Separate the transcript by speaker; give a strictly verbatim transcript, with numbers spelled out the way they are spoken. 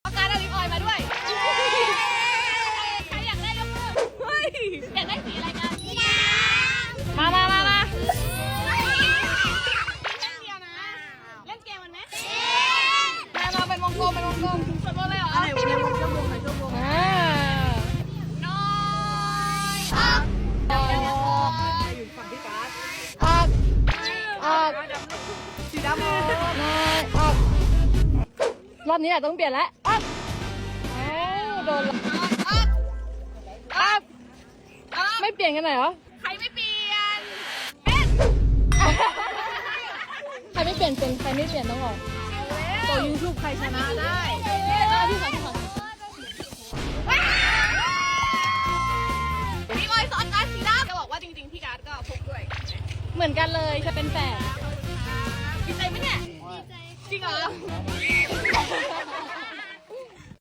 Speaker 1: ประกาศลิปออยมาด้วยใครอยากได้ยกมือเฮ้ยอยากได้สีอะไรกันมามามามาเล่นเดียวนะเล่นเกมมันไหมมามาเป็นวงกลมเป็นวงกลมสมมติเลยเหรออะไรวงกลมชั่วโมงไหนชั่วโมงอ่าน้อยออกออกอยู่ฝั่งพี่การ์ดออกออกสีดำออกน้อยออกรอบนี้แหละต้องเปลี่ยนแล้วออกเอ้าโดนออกออกไม่เปลี่ยนกันไหนเหรอใครไม่เปลี่ยนเป็นใครไม่เปลี่ยนเป็นใครไม่เปลี่ยนต้องออกตัวยูทูบใครชนะได้พี่ขอพี่ขอพี่บอยสอนการสีดำจะบอกว่าจริงๆพี่การ์ดก็พกด้วยเหมือนกันเลยจะเป็นแฝดดีใจไหมเนี่ยดีใจจริงเหรอ